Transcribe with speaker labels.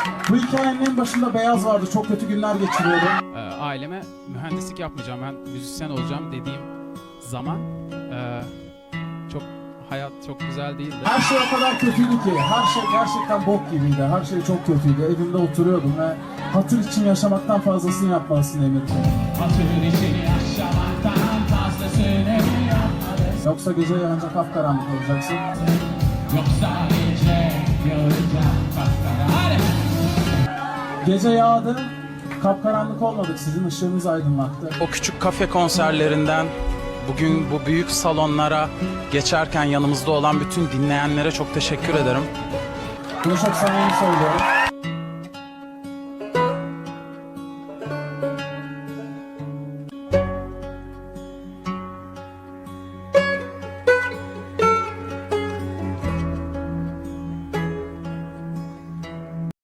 Speaker 1: Bu hikayenin en başında Beyaz vardı. Çok kötü günler geçiriyordu.
Speaker 2: Aileme mühendislik yapmayacağım, ben müzisyen olacağım dediğim zaman çok hayat çok güzel değildi.
Speaker 1: Her şey o kadar kötüydü ki. Her şey gerçekten bok gibiydi. Her şey çok kötüydü. Evimde oturuyordum ve hatır için yaşamaktan fazlasını yapmalısın Emir'ciğim.
Speaker 3: Hatır için yaşamaktan fazlasını yapmalısın.
Speaker 1: Yoksa gece ancak kapkaranlık olacaksın.
Speaker 3: Yoksa gece göreceğim kapkara. Hadi!
Speaker 1: Gece yağdı. Kapkaranlık olmadık. Sizin ışığınız aydınlattı.
Speaker 4: O küçük kafe konserlerinden bugün bu büyük salonlara geçerken yanımızda olan bütün dinleyenlere çok teşekkür ederim.
Speaker 1: Bunu çok samimi söylüyorum.